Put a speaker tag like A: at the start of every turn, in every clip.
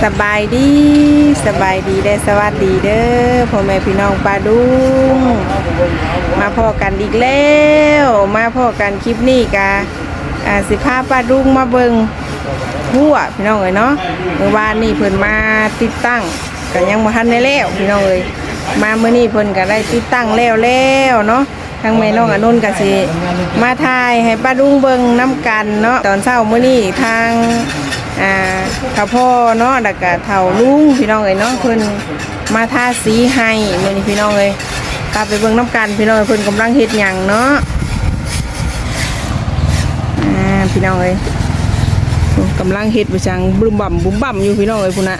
A: สบายดีได้สวัสดีเด้อพ่อแม่พี่น้องปาดุงมาพอกันอีกแล้วมาพอกันคลิปนี้กะสิพาปาดุงมาเบิ่งหัวพี่น้องเอ้ยเนาะเมื่อวานนี้เพิ่นมาติดตั้งก็ยังบ่ทันได้แล้วพี่น้องเอ้ยมามื้อนี้เพิ่นก็ได้ติดตั้งแล้วเนาะทางแม่น้องอนุนก็สิมาถ่ายให้ปาดุงเบิ่งนํกันเนาะตอนเช้ามื้อนี้ทางข้าพ่อเนาะแล้วก็เฒ่าลุงพี่น้องเอ้ยเนาะเพิ่นมาทาสีให้มื้อนี้พี่น้องเอ้ยกลับไปเบิ่งน้ำกันพี่น้องเพิ่นกำลังเฮ็ดหยังเนาะพี่น้องเอ้ยกำลังเฮ็ดไปจังบุ้มบ่ำอยู่พี่น้องเอ้ยพุ่นน่ะ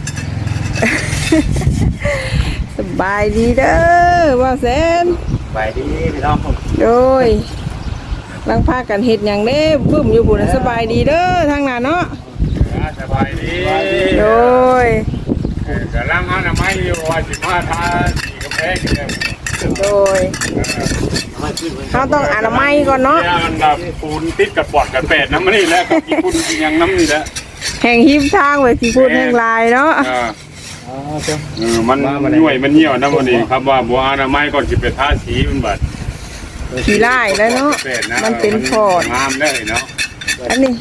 A: สบายดีเด้อว่าแสน
B: สบายดีพี่น้อง
A: โดยลังพากันเฮ็ดหยังเด้บึ้มอยู่พุ่นน่ะสบายดีเด้อทางนั้นเนาะ
B: สบายดี
A: โดย
B: กำลังหาหน่อไม้อยู่ว่าสิมาทาสีกาแฟกัน
A: โดยเขาต้องอนามัยก่อนเนาะ
B: อันดับปูนติดกับปอดกับแปดน้ำมันนี่แหละกับปูนยังน้ำนี่แหละ
A: แห่งหิมทางไว้ที่พูดแห่งลายเนาะ
B: มันย่วยมันเหี่ยวน้ำมันนี่ครับว่าบัวอนามัยก่อนสิไปทาสีมันบัด
A: สีไล่แล้วเนาะมันเป็นพอด
B: งามได้เนาะ
A: อันนี้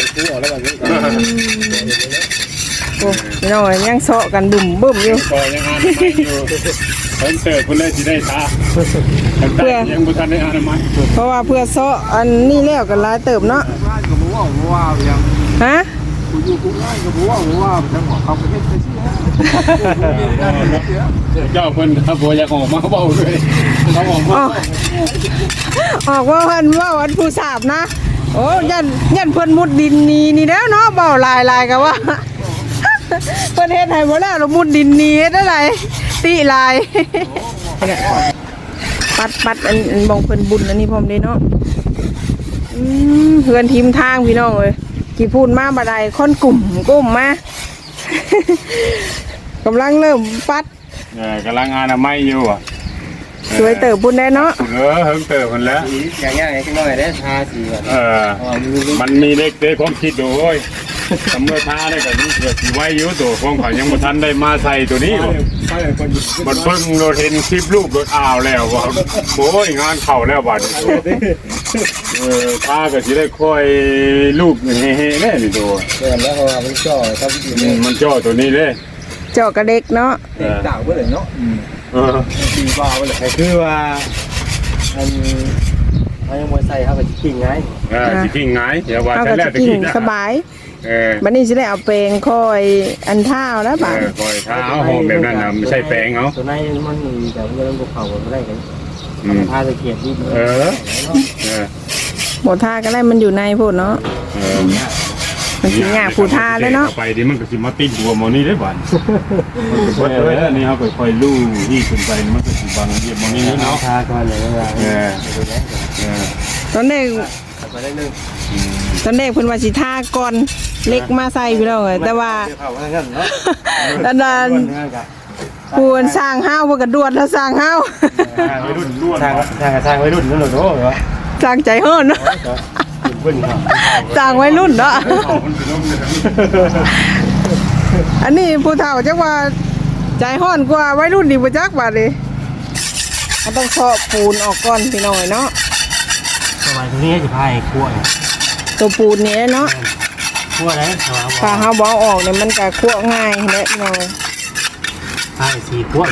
A: โอ้ยน้อยยังเสาะกันบึ้มอยู่
B: ก็ยังอนามัยอยู่เพิ่นเสิร์ฟเพิ่นเลยสิได้ทาเพื่อยังบ่ทันได้อนามัย
A: เพราะว่าเพื่อเสาะอันนี้แล้วกันหลายเติบเนาะฮะ
B: อยู่กูง่ายกับบัวจังหวะเขาไปเฮ็ดไปสิเจ้าเพิ่นครับบ่อยากออกมาเว้าด้วยเขาออกมา
A: ว่าเพิ่นว่าวันผู้สาบนะโอ้ยันเพิ่นมุดดินนี่แล้วเนาะเบาลายก็ว่าเพิ่นเฮ็ดให้บ่แล้วมุดดินนี่เฮ็ดอะไรติลายปัดอันบ่งเพิ่นบุญอันนี้พร้อมเด้เนาะเฮือนทีมทางพี่น้องเอ้ยกี่พูดมาบ่ได้คนกลุ่มมากำลังเริ่มปัด
B: กำลังอนามัยอยู่อ่ะ
A: สวยเติบบุญได้เนาะ
B: เฮิงเติบมันแล้ว
C: อย่างง่ายๆจังน้อยได้ทาสี
B: มันมีเด็กความคิดดูโอ้ยเมื่อทาได้ก็นี่เกิดสีไว้อยู่ตัวของเขายังบ่ทันได้มาใส่ตัวนี้มันเพิ่งเราเห็นคลิปรูปรถอ้าวแล้วว่าโอ้ยงานเข่าแล้วบัดทาก็สิได้ค่อยรูปเฮ้ๆแน่นี่ตัว
C: แล้วเขามันจ่อครับ
B: มันจ่อตัวนี้เด้
A: เจาะกระเด็กเนาะ
C: เจ้าเพื่อนเนาะสีฟ้าเพื่อนคือว่าอันยังมวยใส่เขาก็กิ่งไง
B: กิ่งไงเดี๋ยวว่า
A: แต่แรกจะกิ่งสบายบัดนี้จะได้เอาแปรงค่อยอันเท้าแล้วป่ะ
B: ค่อยเท้าหอมแบบนั้นนะไม่ใช่แปรงเนาะ
C: ตัวนั้นมันมีแต่เรื่องภูเขาก็ได้กันผ้าตะเกียบที่
A: หมดท่าก็ได้มันอยู่ในพูดเนาะมันสิหยาผู้ท่าเลยเนาะ
B: ไปดิมันก็สิมาติดหัวมอนี่ได้บ้านอันนี้เขาค่อยลู่ที่ขึ้นไปมันก็สิบังเหยียบมอนี่เนาะ
C: ท่าก็เลย
A: ตอนเด็กเพิ่นว่าสิท่าก่อนเล็กมาใส่พี่น้องแต่ว่าดันปูนสร้างห้าวพวกกระดวดแล้วสร้างห้าว
B: ไว้รุ่นล้วน
C: สร้างไว้รุ่นนั่นเหรอโอ้
A: สร้างใจเฮิร์นเนาะสร้างไว้รุ่นเนาะอันนี้ผู้เฒ่าจักว่าใจห้อนกว่าไว้รุ่นดีบ่จักบาดนี้มันต้องเคาะปูนออกก่อนพี่น้องเนาะ
C: สมัยนี้จะพายคั่ว
A: ตัวปูนนี้เนาะ
C: คั่วได้
A: ถ้าเฮาบ่ออกเนี่ยมันก็คั่วง่ายแหละพี่น้อง
C: พายสีคั่ว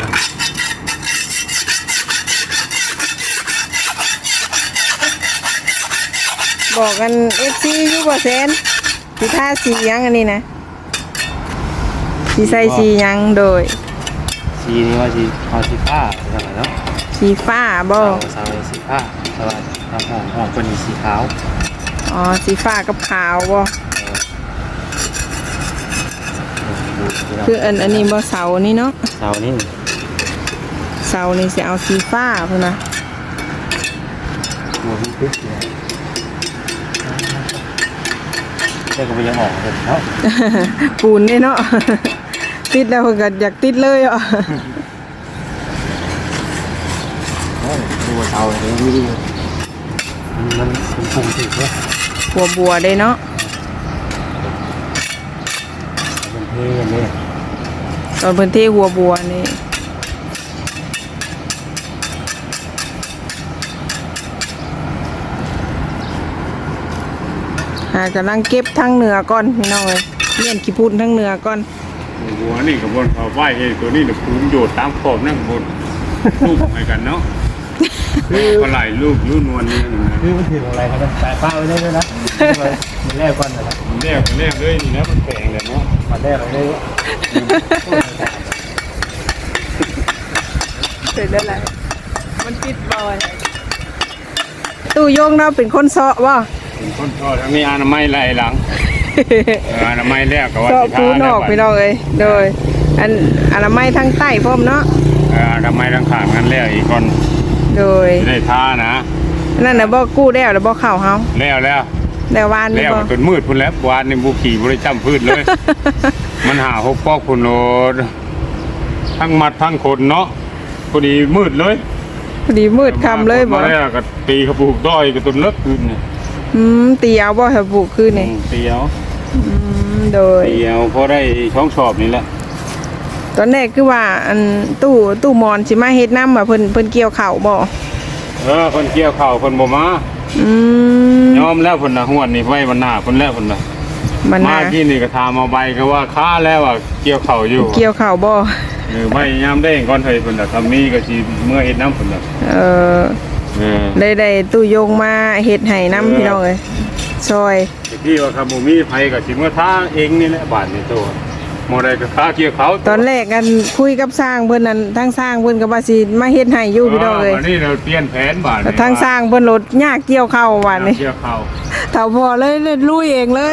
A: บอกกัน FC อยู่บ่แซนสิทาสีหยังอันนี้นะสิใส่สีหยังโดย
C: สีนี้ว่าสีสีฟ้าใช่ไหมเนาะ
A: สีฟ้าบ่
C: สาวสีฟ้าสวัสดีครับห้องคนนี้สีขาว
A: อ๋อสีฟ้ากับขาวบ่คืออันนี้บ่เสานี่เนาะ
C: เสานี่
A: สิเอาสีฟ้าพุ่นน่ะ
C: หัวมันตึ๊ดเลยแต่ก็ไม่ยังออกเลยเนาะ
A: ปูนนี่เนาะติดแล้วก็อยากติดเลยอ่ะ
C: ตัวเสาอย่างนี้มันปุ่งติดเลย
A: บัวได้เนาะ
C: เป็นเท่เลย
A: ตอนเพิ่นเทหัวบัวนี่กำลังเก็บทั้งเหนือก่อนพี่น้องเลยเลี่ยนขี้พูนทั้งเหนือก่อน
B: หัวนี่กับบนเขาไหวเองตัวนี้เนี่ยภูมิโยดตามขอบนั่งบนลูกเหมือนกันเนาะคือปลาไหลลูกยูนวลนี่นะ
C: คือมันถืออะไรครับสายฟ้าไว้ได้ด้วยนะมันแรกก่อนนะครับ
B: แรกเลยนี่นะมันแข็งเลยเนาะ
C: มันแรกเลย
A: เสร็จแล้วแหละมันปิดบ่อยตู้โยงเราเป็นคนเซาะบ่
B: เป็นคนทอดทั้งนี้อนามัยไหลหลังอนามัยแรกก็ว่า
A: เซาะ
B: สิ
A: ปู
B: ทาน
A: ออกพี่น้องเอ้ยโดยอันอนามัยทางใต้พร้อมเนาะ
B: อนามัยทั้งข้างกันแล้วอีกคน
A: โดย
B: จะได้ทานะ
A: นั่นน่ะบ่กู้แล้วแล้วบ่เข้าเฮา
B: แล้ว
A: แต่วานนี่
B: แล้ว
A: บ่
B: จนมืดพุ่นแล้ววานในบุขี่บริจำพืชเลย มันหาหกปอกพุ่นโลดทั้งมัดทั้งคนเนาะพอดีมืดเลย
A: พอดีมืดค่ำเลยบ่
B: มาแล้วก็ตีกระปุกด้อยก็ตุนเลิกคืนนี่
A: ตีเอาบ่ให้บุกคืนนี่
B: เตียว
A: โดย
B: เตียวพอได้ช่องสอบนี่แหละ
A: ตอนแรกคือว่าอันตู้มอนสิมาเฮ็ดน้ำว่าเพิ่นเกี่ยวข้าวบ่
B: คนเกี่ยวเข่าคนบ่มา
A: ม
B: ยอมแล้วคนน่ะหวดนี่ไว้วันหน้าคนแล้วคนน่ะ
A: มัน
B: มา
A: น่ะ
B: ที่นี่ก็ทามาใบก็ว่าค้าแล้วว่าเกี่ยวเข่าอยู่
A: เกี่ยวข้าวบ่
B: ไว้ยามได้ก่อนเฮ้ยคนน่ะทำนี้ก็สิเมื่อเฮ็ดน้ำคนน่ะ
A: เออได้ตู้โยงมาเฮ็ดให้น้ำพี่น้องเอ้ยซอย
B: ที่ว่าคำบ่มีไผก็สิเมื่อทาเองนี่แหละบาดนี่ตัวบ่ได้ก็ค้าเกี่ยวเขา
A: ตอนแรกกันคุยกับสร้างเพิ่นนั่นทางสร้างเพิ่นก็ว่าสิมาเฮ็ดให้อยู่พี่น้องเอ้ย
B: วันนี้เราเปลี่ยนแผนบาด
A: แต่ทางสร้างเพิ่นรถยากเกี่ยวข้าววันนี้
B: เกี่ยวเข่า
A: เฒ่าพอเลยลุยเองเลย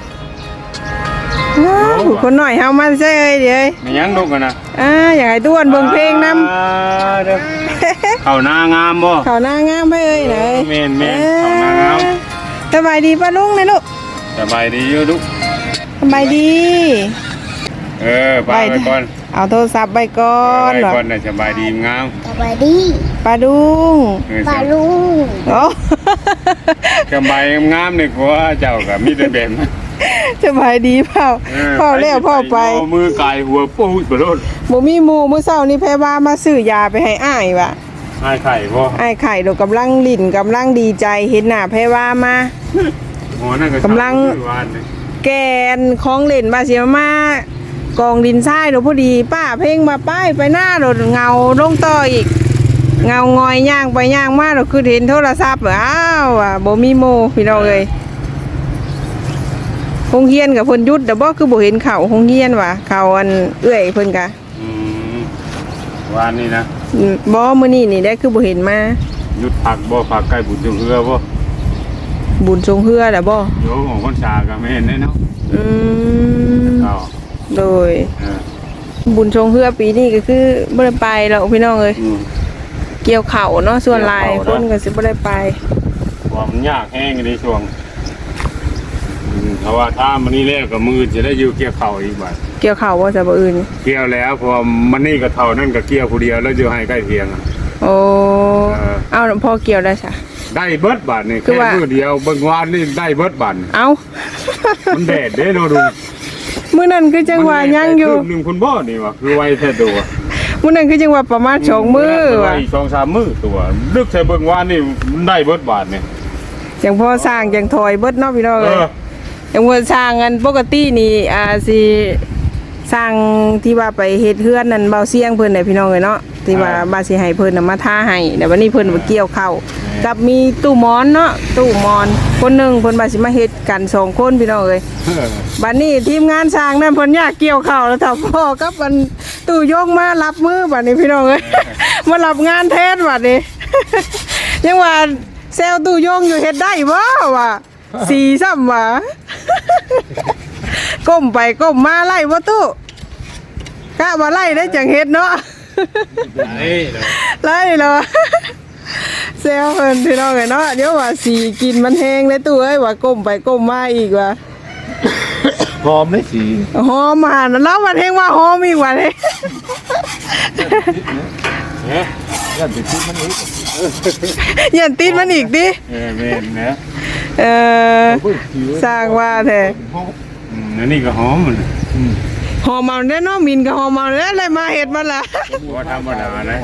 B: อ
A: ว้าวคนหน่อยเฮามาใช่เอ้ยเดี๋ยว
B: มีหยังลูกกันนะ
A: อยากให้ต้วนเบิ่งเพลงนำ
B: เด้อเข้าหน้างามบ่
A: เขาหน้างามไปเอ้ยไหน
B: แม่นเข้าหน้างาม
A: สบายดีป้าลุงนะลูก
B: สบายดีอยู่ลูก
A: สบายดี
B: ไปก่อน
A: เอาโทรศัพท์ไปก่อน
B: ไปก่อนน่ะสบายดีงาม
D: สบายดี
A: ป้าดุง
D: ปลาลุง
A: โอ้
B: สบายงามนี่กว่าเจ้าก็มีแต่แบบนั้น
A: สบายดีเปล่าพ่อแล้วพ่อไป
B: เอามือกายหัวปูดบ่โดน
A: บ่มีหมู่มื้อเช้านี้แพรว่ามาซื้อยาไปให้อ้ายว่ะ
B: ให้ไข่บ่
A: อ้ายไข่ดอกกำลังลิ้นกำลังดีใจเห็นหน้าแพรว่ามา
B: หัวนั่นก็
A: กำลัง
B: วานนี่
A: แกนของเล่นบาเสียมากองดินทรายเดี๋ยวพอดีป้าเพ่งมาป้ายไปหน้าเราเงาลงต่ออีก เงางอยย่างไปย่างมาเราคือเห็นโทรศัพท์อ้าวว่ะบ่มีโมพี่น้องเอ้ยคงเฮียนกับเพิ่นหยุดแต่บ่คือบ่เห็นเขาคงเฮียนว่ะเขาอันเอื้อยเพิ่นกะ
B: วานนี่นะ
A: บ่มื้อนี้นี่ได้คือบ่เห็นมา
B: หยุดผักบ่ผักใกล้บุญจงเฮือบ่
A: บุญทรงเฮือแหละบ่
B: โยมของคนชาก็ไม่เห็นได้เนาะ
A: อืม
B: เอา
A: โดย
B: เออ
A: บุญทรงเฮือปีนี้ก็คือบ่ได้ไปแล้วพี่น้องเอ้ยเกี่ยวเข่าเนาะส่วนหลายคนก็สิบ่ได้ไป
B: ความยากแห้งในช่วงเพราะว่าถ้ามันนี่แล้วก็มือจะได้อยู่เกี่ยวเข่าอีกบัด
A: เกี่ยวเข่าว่าจะบ่อื่น
B: เกี่ยวแล้วพอมันนี่ก็เท่านั่นก็เกี่ยวผู้เดียวแล้วอยู่ให้ใกล้เคียงอะ
A: โอ้เอาพอเกี่ยวได้ซะ
B: ได้เบิดบาทนี่
A: คือ
B: แค่
A: ว่า
B: มือเดียวเบิ่งวานนี่ได้เบิดบาท
A: เอา
B: มันแดดเด้เนาะดู
A: มื้อนั้นคือจังว่ายังอยู่
B: คืบหนึงคุณบ่นี่วะคือไวแท้ตัว
A: มื้อนั้นคือจังว่าประมาณ2มื้อว่ะ
B: อีก2-3 มื้อตัวลึกใส่เบิ่งวานนี่มันได้เบิดบาทนี่
A: จังพอสร้างจังถอยเบิดเนาะพี่น้อง
B: เอ
A: เอ้ย
B: อ
A: จังว่าสร้างกันปกตินี่สิสร้างที่ว่าไปเฮ็ดเฮือนนั่นเบาเสียงเพิ่นน่ะพี่น้องเอ้ยเนาะที่ว่าบาสิให้เพิ่นน่ะมาทาให้แต่วันนี้เพิ่นมาเกี่ยวข้าวกับมีตู้หมอนเนาะตู้หมอนคนหนึงเพิ่นบาสิมาเฮ็ดกัน2คนพี่น้องเอ้ย บัดนี้ทีมงานสร้างนั่นเพิ่นอยากเกี่ยวข้าวแล้วถ้าพ่อกับมันตู้ยกมารับมือบัดนี้พี่น้องเอ้ย มารับงานแทนบัดนี้ ยังว่าแซวตู้ยงอยู่เฮ็ดได้บ่วะสีซ้ำวะ ก้มไปก้มมาไล่บ่ตู้กะบ่ไล่ได้จังเฮ็ดเนาะ ไล่เหรอ แซวเพิ่นพี่น้องเอ้ยเนาะเดี๋ยวว่าสีกินมันแห้งเลยตู้เอ้ยว่าก้มไปก้มมาอีกว่ะ
C: หอมได้สี
A: หอมหันแล้วมันเฮงว่าหอมอีกว่าเลย
C: ยันติดที่มันนี้
A: อย่าติดมันอีกดิ
B: แม่นนะ
A: เออสร้างว่าแท้
B: อันนี้ก็หอมมัน
A: หอมเอาเด้อเนาะมินก็หอมเอาเด้อเลยมาเฮ็ดมาละ
B: บ่ธรรมดานะ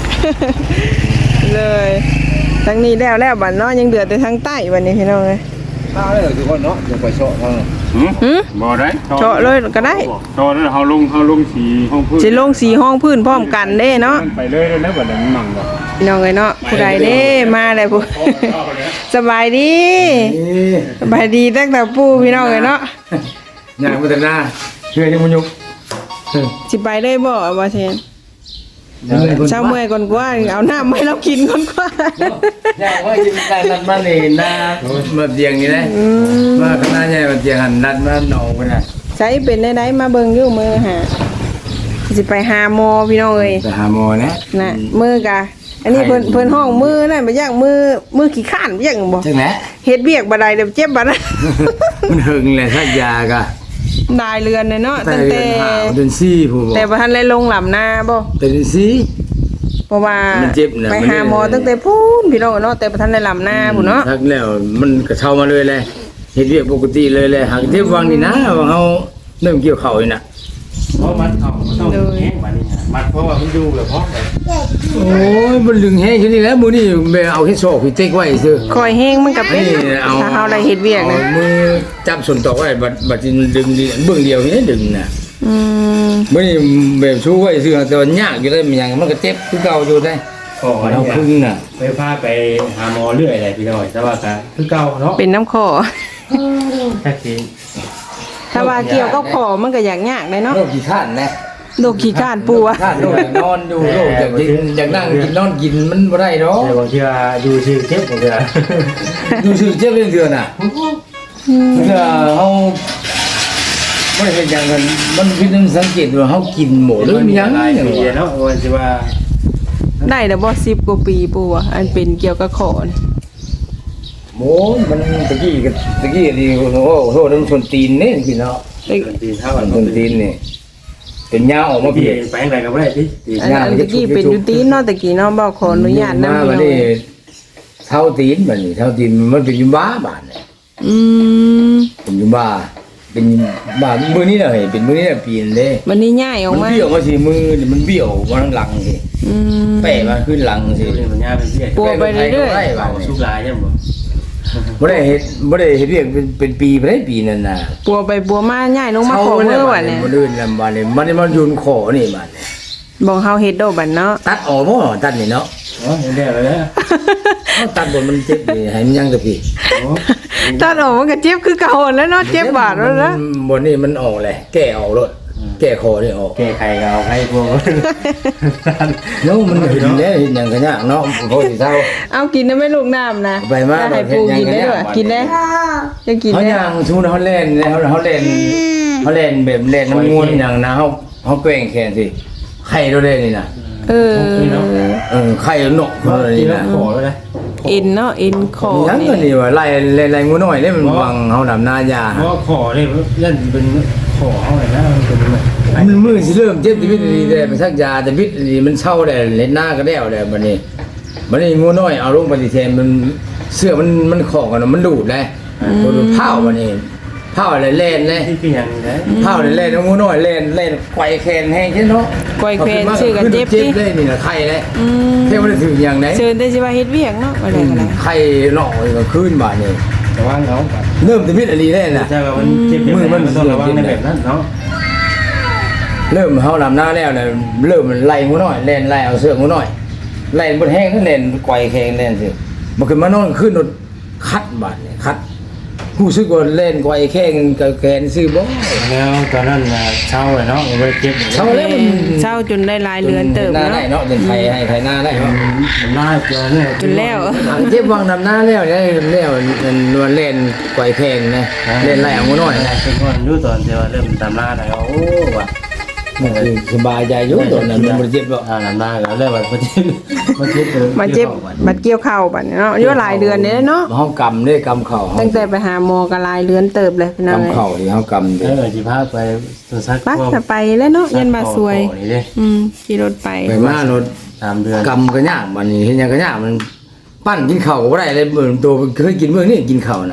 A: เลยทั้งนี้แล้วบัดเนาะยังเดือดแต่ทางใต้บัดนี้พี่น้องเอ้ย
C: ข้าวเลยทุกคนเนาะอย่าไปเชาะเขา
A: หึ
B: บ่ได้
A: เจาะเลยก็ได้
B: ตอนนั้นเฮาลงสีห้องพื้น
A: สิลงสีห้องพื้นพร้อมกันเด้เนาะ
B: ไปเลยแล้วบัดนั้นมั่งบ่
A: พี่น้องเอ้ยเนาะผู้ใดเด้มาแล้วผู้สบายดีสบายดีตั้งแต่ปู่พี่น้องเอ้ยเนาะ
C: อย่างมุตนาเชื่อยังมุยุก
A: สิไปเลยบ่ว่าเช่นเช้าเมื่อยก่อนกว่าเอาน้ำให้เรากินก่อนกว่า
C: อย่างว่ากินได้นัดมาเลยนะมาเตียงนี่นะมาข้างหน้าใหญ่มาเตียงหันนัดมาหนองไปนะ
A: ใช้เป็นได้มาเบิ่งอยู่มือหาสิไปหาหมอพี่น้องเอ้ย
C: ไปหาหมอนะ
A: น่ะมือกะอันนี้เพิ่นห้องมือนั่นบ่ย่างมือขี้ข้านบ่ย่างบ่
C: จังไหน
A: เฮ็ดเวียกบ่ได้เดี๋ยวเจ็บบ่นะ
C: มันหึงเลยสักยากะ
A: ได้เรือนเลยเนาะ
C: แต่
A: ตั้ง
C: เดื
A: แต่
C: อนหาเดือนสี่ผู้บอก
A: แต่บ่ทันได้ลงหลํหน้าบ่
C: แต่เดือนสี่
A: เพราะว่า
C: มันเจ็บน่ะ
A: ไปหาหมอตั้งแต่พูนพี่น้องเนาะแต่บ่ทันได้หลํหน้าพุ่นเนาะ
C: ทักแล้วมันก็เข้ามาเลยเลยเฮ็ดเวียกปกติเลยเลยหากเทปวังนี่นะว่าเฮาเริ่มเกี่ยวข้าวนี่น่ะ
D: เพราะมันเอามันต้องแห้งกว่านี้นะมันเพราะว่ามันอยู่แบบพร้อมเลย
C: โอ้ยมันลึงแห้งอยู่นี่แหล้วมื้อนี้แม่เอาเฮ็ดซอกพี่เต็กไว้ซื่อ
A: คอยแห้งมันก็เป็น
C: นี่เอา
A: ถ้าเฮาได้เฮ็ดเวียกนะ
C: อามือจับส่วนตอกไว้บัดสิมันดึงดีเบื้องเดียวนี่ดึงน่ะ
A: อืม
C: มื้อนี้แบบชูไว้ซื่อแต่ว่ายากอยู่ได้มันยังมันก็เจ็บคือเก่าอยู่ได้
D: ก็
C: เอาพึ่งน่ะ
D: ไปพาไปหาหมอเรื่อยอะไรพี่น้อยแต่ว่าก็คือเก่าเนาะ
A: เป็นน้ำคอ
D: แค่ที
A: ถ้าว่าเกี่ยวกับคอมันก็ยากเลยเนาะ
C: โรคขี้ข้านนะ
A: โรคขี้ก้านปัว
C: ข้านโรคนอนอยู่โรคอยากกินอยากนั่งกินนอนกินมันบ่ได้ดอก
D: แต่บางทีดูชื่อเจ็บของเธอ
C: อยู่ซื่อเจ็บเรื่องเดือนน่ะเพื่อเฮาบ่ได้เฮ็ดหยังกันมันเป็นสังเกตว่าเฮากินหมดหรือยัง
D: หลาย
C: อย่าง
D: ปี
C: ว่า
D: เนาะวันที่ว่า
A: ได้แต่บ่10กว่าปีปัวอันเป็นเกี่ยวกับคอนี่
C: โอ้มันตะกี้นี่โอ้โหมันชนตีนนี่กินเนาะ
D: ตีเท่า
C: มั
D: กัน น
C: ชนตีนนี่เป็นยาออกมา
D: พี่
C: เพีย
D: ไปไหนก็ไม่ได้พี่
A: อันตะกี้เป็นอยู่ตีนเนาะตะกี้เนาะบ่ขออนุญาตนำ
C: มาบัดนี้เท่าตีนบัดนี้เท่าตีนมันเป็นยุบ้าบาดนี่
A: อืม
C: เป็นยุบ้าเป็นบ้ามื้อนี้น่ะเฮ้ยเป็นมื้อนี้น่ะปีนเด้
A: วันนี้ย้ายออก
C: มัน
A: มา
C: เบี้ยวมาสิมือนี่มันเบี้ยวมาทางหลังสิ
A: อืม
C: แปะมาขึ้นหลังสิ
D: เรื่องปัญญาเป็นพี่
A: ปัวไปเรื่อย
D: เอาสุกลายใช่ไหม
C: บ่ได้เฮ็ดเรียกเป็นปีบ่ได้ปีนั่นน่ะ
A: ปัวไปปัวมาย้ายลงมาขอมือว่ะเนี่ย
C: บ่เดินลำบากนี่มันยืนขอนี่บาดนี่
A: บอกเฮาเฮ็ดโดบัดเนาะ
C: ตัดออกบ่ตัดนี่เนาะ
D: อ๋อเห็นได้เลยนะ
C: เอาตัดบนมันเจ็บนี่ให้มันยังกับพี่
A: ตัดออกมันก็เจ็บคือเก่าแล้วเนาะเจ็บบาดแล้วนะ
C: บนนี่มันออกเลยแก้ออกรถแก้คอนี่ออก
D: แก้ไขก็เอาให้พวก
C: แล้วมันเห็นแล้วเห็นอย่างกันยากเนาะพอสิเท่า
A: เอากินได้ไหม่ลูกน้ำนะ
C: ไปมา
A: จะให้ปูกินได้ด้วยกินได้จะกิน
C: เขา
A: ได้
C: ย่างชูเขาเล่นเขาเล่นแบบเล่นน้ำมวนอย่างนะเขาแกว่งแขนสิไข่เราเล่นนี่นะ
A: เออ
C: ไข่หนกเขาเลย
D: กิน
C: นี่
D: แล้ว
C: นะ
D: ขอแล้วนะ
A: เอ็นเนาะเอ็นคอ
C: ยัง
A: นี่
C: ก็นี่ว่าไล่งูน้อยเล่นมันวังเขาดำหน้ายา
D: เพราะขอเนี่ยยันเป็นขอเอาเลยนะมันเป็น
C: มันมือสิเริ่มเจ็บชีวิตดีแต่ไปสักยาแต่วิตดีมันเช่าแต่เล่นหน้าก็แล้วแต่บัดนี้งูน้อยเอาลงปฏิเทนมันเสื้อมันขอกันมันดูดเลยมันดูดเผาบัดนี้เผาอะไรเล่นเลย
D: ที่คืออย่างนี้
C: เผาอะไรเล่นงูน้อยเล่นไกวแขนแห้งใช่เนาะ
A: ก้อยแควนชื่อกันเจ็บ
C: เจ็
A: ดิ
C: บเลยนี่นะไข่เลย
A: อืม
C: เท่มันถึงอย่างไหน
A: เชิญได้สิว่าเฮ็ดเวียกเนาะอะไรกันนะ
C: ไข่หนอกก็ขึ้นบาดนี้
D: ระวังเขา
C: เริ่มจะวิตอะไรแน่น่ะ
D: ใช่ว่ามันเจ็บมันต้องระวังในแบบนั้นเนาะ
C: เริ่มเฮาลำหน้าแล้วเนี่ยเริ่มมันไล่งูน้อยเล่นไล่เอาเสื้องูน้อยไล่บนแห้งนั่นเล่นไกวแขนเล่นสิมันขึ้นมานอนขึ้นรถคัดบาดเนี่ยคัดผู้ซื้อก็เล่นไกวแข้งกับแขนซื้อบ่
D: แล้วตอนนั้นเช่าเลยเนาะมันเจ็บ
C: เช่าแล้วมัน
A: เช้าจนได้ลายเรือนเติบ
C: หน้า
A: เนาะ
C: ได้เนาะเป็นไทยให้ไทยหน้าได้เนาะ
D: มันน่าเจอเนี่ย
A: จนแล้ว
C: เจ็บวางนำหน้าแล้วได้แล้วมันเล่นไกวแข้งนะเล่นไล่เอางูน้อยนะ
D: เป็นคนรู้ตอนที่ว่าเริ่มตามล่าแล้วโอ้ว่ะ
C: มันคือสบายใจอยู่ตอนนั้นมันบ่เจ็บหรอก
D: ตามล่าแล้วเลยว่ามันเจ็บมันเจ็บ
A: มาเจ็บบัดเกี่ยวเข่าบัดเนาะอายุหลายเดือนนี่เนาะ
C: เฮากำเด้กำเข่า
A: ตั้งแต่ไปหาหมอก็ลายเรือนเติบเลยพี่น้อง
C: กำเข่าที่เฮากำ
D: เอ
C: เด้
D: อที่พาไปตัวซัก
A: ปักจะไปแล้วเนาะยันมาสวย
D: นี่ดิ
A: ขี่รถไป
C: ไปมารถ
D: 3 เดือน
C: กำก็ยากมันนี่เฮ็ดหยังก็ยากมันปั้นกินข้าวก็บ่ได้เลยเหมือนตัวเคยกินมื้อนี้กินข้าวน่ะ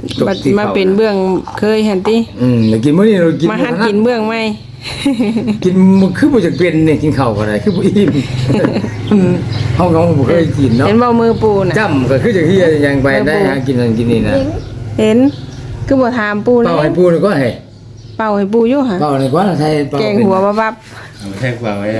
A: บัดมาเป็นเบื้องเคยหั่นติ
C: แล้วกินมื้อนี้เรากิน
A: มาหัดกินเบื้องไหม
C: กินมันคือบ่จักเป็นนี่กินข้าวก็ได้คือบ่อิ่มเฮาก็บ่เคยกินเนาะ
A: เห็นบ่มือปูน่ะ
C: จ้ำก็คือจังเฮียยังไปได้หากินนั่นกินนี่นะ
A: เห็นคือบ่ถามปูเลย
C: เป้าให้ปูนี่ก็ให้
A: เป่าให้ปูอยู่หะ
C: เป้านี่ก็ใช่เป้า
A: แกงหัวบับ
D: แทงกว่าไว้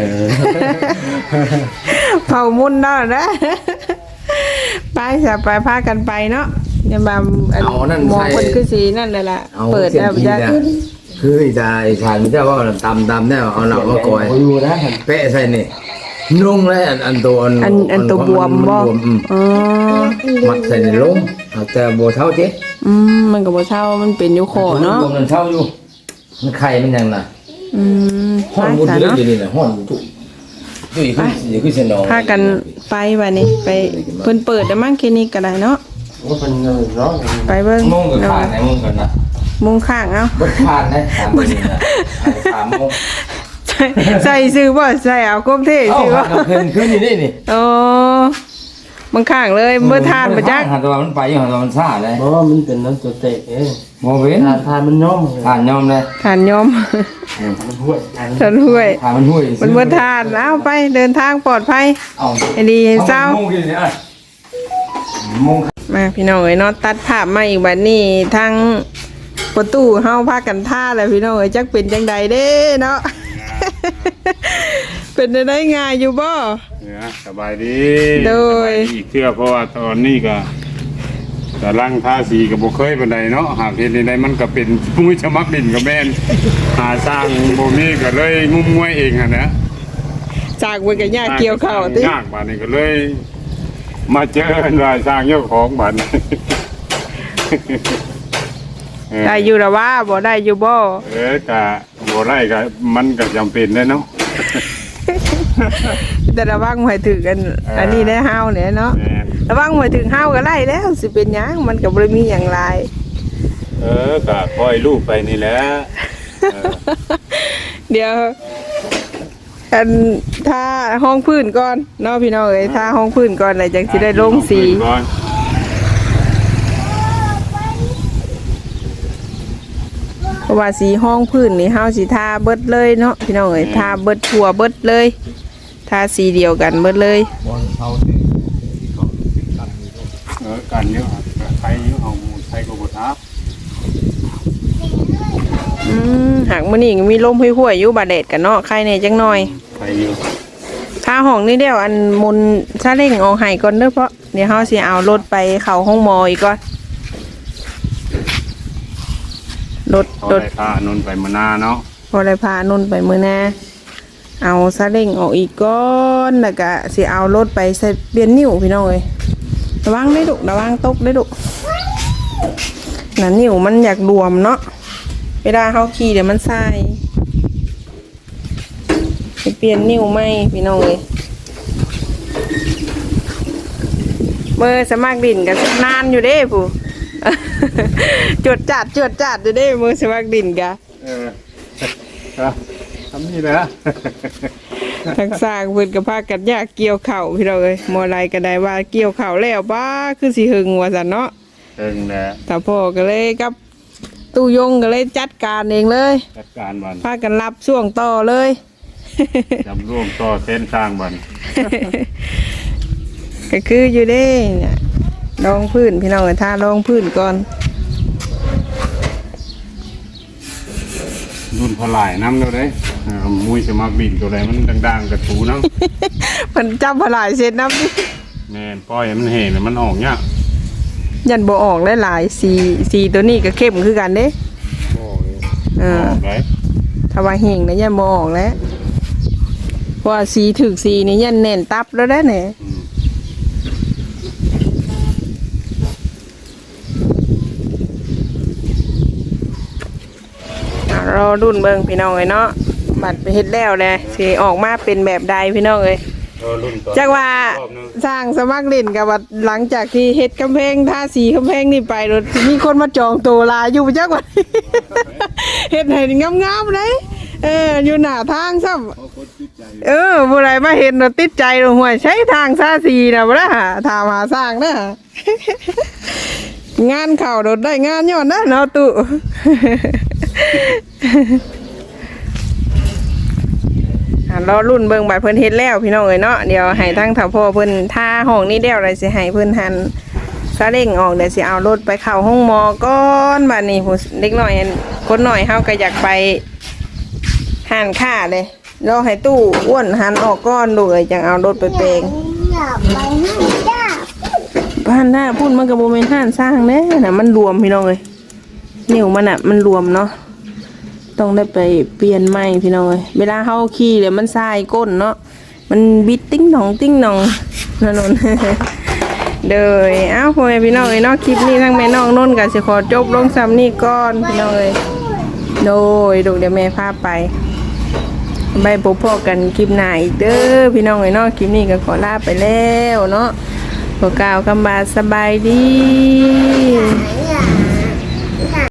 A: ๆเผามุ่นแล้วนะไปซะไปพากันไปเนาะอย่ามาหมองเพิ่นคือสินั่นแหละล่ะเปิดแล้วจะ
C: คืออีตาอีชานมันจะว่าตำได้เอาหนักมากอย
D: อยู่นะ
C: เปะใส่นี่นุ่งแล้วอันตัว
A: อันตัวบวมบ่อ๋อ
C: มัดใส่ในลมแต่บ่เท่าเจ๊
A: มันก็บ่เท่ามันเป็นอยู่คอเนาะ
C: มันเท่าอยู่มันไข่มันยังน่ะ
A: ไป
C: ห้อนมุด
A: ซะ
C: เยอะ
A: เนาะ
C: อยู่นี่น่ะห้อนจุอยู่คือเสนอ
A: พากันไปบัดนี้ไปเพิ่นเปิดได้มั้งคลินิกก็ได้เนาะ
D: ว่าเป็นเนาะ
A: ไปเบิ่ง
C: มงกับขาดไหนมงกันนะ
A: มุงข้างเอ้า
C: บดขาดนะ3มื้อนะ3โมง
A: ใส่ซื้อบ่ใส่เอาก้มเท่
C: เอ้า
A: ซื้อบ่
C: ขึ้นอยู่นี่นี่
A: โอ้บางข้างเลยเมื่อทานมาจัก
C: หันตัวมันไปอยู่หันตัวมันซ่าเลย
D: เพราะว่ามันเป็นน้ำตัวเตะเอง
C: บ่เว้น
D: ทานมันย่อม
C: ทานยอมเลย
A: ทานยอม
D: มันห่วย
A: ทานห้วย
C: ทานมันห้วย
A: มันเมื่อทานเอาไปเดินทางปลอดภัย
C: เอา
A: ให้ดีให้เศร้า
C: โมงกินเนี่ยโมง
A: มาพี่น้องเอ้ยเนาะตัดภาพมาอีกบัดนี้ทางประตูเฮาพากันท่าแล้วพี่น้องเอ้ยจักเป็นจังใดเด้เนาะ เป็นได้ง่ายอยู่บ่
B: เนี่ยสบายดี
A: โดย
B: สบาอีกเทื่อเพราะว่าตอนนี้ก็แต่ร่างทาสีก็บ่เคยปานใดเนาะหากเฮ็ดได้มันก็เป็นผู้สมัครดินก็แม่นหาสร้างบ่มีก็เลยงุ่มงวยเองหั่นนะ
A: จากเพิ่นก็ยากเกี่ยวข้าวติ
B: ยากบาดนี้ก็เลย มาเจอกันว่าสร้างเจ้าของบัดนี้
A: ได้อยู่ละว่าบ่ได้อยู่บ่
B: ก็บ่ได้ก็มันก็จำเป็นแหล้วเนาะ
A: แต่ระวังหวยถึงกันอันนี้ได้ห้าวเนี่ยเนาะ
B: แม่น
A: ระวังหวยถึงห้าวก็ไล่แล้วสิเป็นหยังมันก็บ่ได้มีหยังหลาย
B: ก็ปล่อยลูกไปนี่แหละ
A: เดี๋ยวอันถ้าห้องพื้นก่อนเนาะพี่น้องเอ้ยถ้าห้องพื้นก่อนแล้วจังสิได้ลงสีเพราะว่าสีห้องพื้นนี่เฮาสิทาเบิดเลยเนาะพี่น้องเอ้ยทาเบิดทั่วเบิดเลยทาสีเดียวกันเบิดเลย
B: กันเยอะใครเยอะเอาใครก็บ่ทับ
A: หากมื้อนี้ก็มีลมห้วยๆอยู่บาดแดดกันเนาะใครแน่จังหน่อย
B: ใครอยู่
A: ถ้าห้องนี้เดี๋ยวอันมุนซาเล้งเอาให้ก่อนเด้อเพราะเดี๋ยวเฮาสิเอารถไปเข้าห้องหมออีกก่อนรถ
B: พอได้พานนไปมานาเนาะ
A: พอได้พานุ่นไปมื้อหน้าเอาซาเล้งออกอีกก่อนแล้วก็สิเอารถไปใส่เปลี่ยนนิ้วพี่น้องเอ้ยระวังได้ดุระวังตกได้ดุน่ะนิ้วมันอยากรวมเนาะเวลาเฮาขี่เดี๋ยวมันใส่ไปเปลี่ยนนิ้วใหม่พี่น้องเอ้ยเมื่อสมัครดินกันนานอยู่เด้ผู้ จวดจัดอยู่เด้มือสมัครดินกะ
B: ทำนี่แหละ
A: ทั้งสร้างเพิ่นก็พากันยากเกี่ยวเข่าวพี่เราเอ้ยมอไรก็ได้ว่าเกี่ยวเข่าวแล้วบ้าคือสิหึงว่าซั่นเนาะ
B: เองแหละ
A: แต่พ่อก็เลยกับตู้ยงก็เลยจัดการเองเลย
B: จัดการบัน
A: พากันรับช่วงต่อเลย
B: จำร่วมต่อเส้นสร้างบัน
A: ก็คืออยู่เด้เนี่ยรองพื้นพี่น้องเอ้ยทารองพื้นก่อน
B: รุ่นพลายน้ำเราได้มุ้ยสมัครบินตัวไหนมันดังๆกระถูน้
A: มันจำพลายเสร็จน้ำดิ
B: ำแม่นปล่อยให้มันเห็นมันออกเนี่ย
A: ยันบ่ออกหลายๆสีตัวนี้ก็เข้มคือกันเด้
B: โอ้ย
A: เอ
B: อ
A: อ
B: อกเลย
A: ถ้าว่าเฮงนะยันบ่ออกแล้วเพราะว่าสีถึกสีนี่ยันแน่นตับแล้วได้เนี่ยรอรุ่นเบิ่งพี่น้องเอ้ยเนาะบัดไปเฮ็ดแล้วแหละสิออกมาเป็นแบบใดพี่น้องเอ้ย
B: รุ่นต่อ
A: จักว่า
B: อบนึง
A: สร้างสมัครเล่นกับว่าหลังจากที่เฮ็ดกำแพงทาสีกำแพงนี่ไปรถมีคนมาจองตัวลาอยู่จักว่า เฮ็ดให้งามๆเลยอยู่หน้าทางซ้ำผู้ใดมาเห็นรถติดใจห่วยใช้ทางซาสีน่ะบ่ล่ะถามหาสร้างนะงานเข่าโดดได้งานย้อนนะเนาะตุรอรุ่นเบิ่งบัดเพิ่นเฮ็ดแล้วพี่น้องเอ้ยเนาะเดี๋ยวให้ทั้งเฒ่าพ่อเพิ่นท่าห้องนี้เดียวเลยสิให้เพิ่นหันซาเล้งออกเดี๋ยวสิเอารถไปเข้าห้องหมอก่อนบัดนี้ผู้เด็กน้อยคนน้อยเฮาก็อยากไปหันค่าเลยรอให้ตู้อ้วนหันออกก่อนดูเลยจังเอารถไปเปลง
E: อยากไปให้จ้า
A: บ้านหน้าพุ่นมันก็บ่แม่นห้านสร้างแน่น่ะมันรวมพี่น้องเอ้ยนิ้วมันน่ะมันรวมเนาะต้องได้ไปเปลี่ยนใหม่พี่น้องเอ้ยเวลาเฮาขี่แล้วมันสายก้นเนาะมันบิดติ้งหนองติ้งหนองนั่นน เด้อเอ้าพ่อแม่พี่น้องเอ้ยเนาะคลิปนี้ทั้งแม่น้องนนท์ก็สิขอจบลงซ้ำนี้ก่อนพี่น้องเอ้ยโดยเดี๋ยวแม่พาไปไปพบพ่อกันคลิปหน้าอีกเด้อพี่น้องเอ้ยเนาะคลิปนี้ก็ขอลาไปแล้วเนาะขอกล่าวคำว่าสบายดี
E: ไหน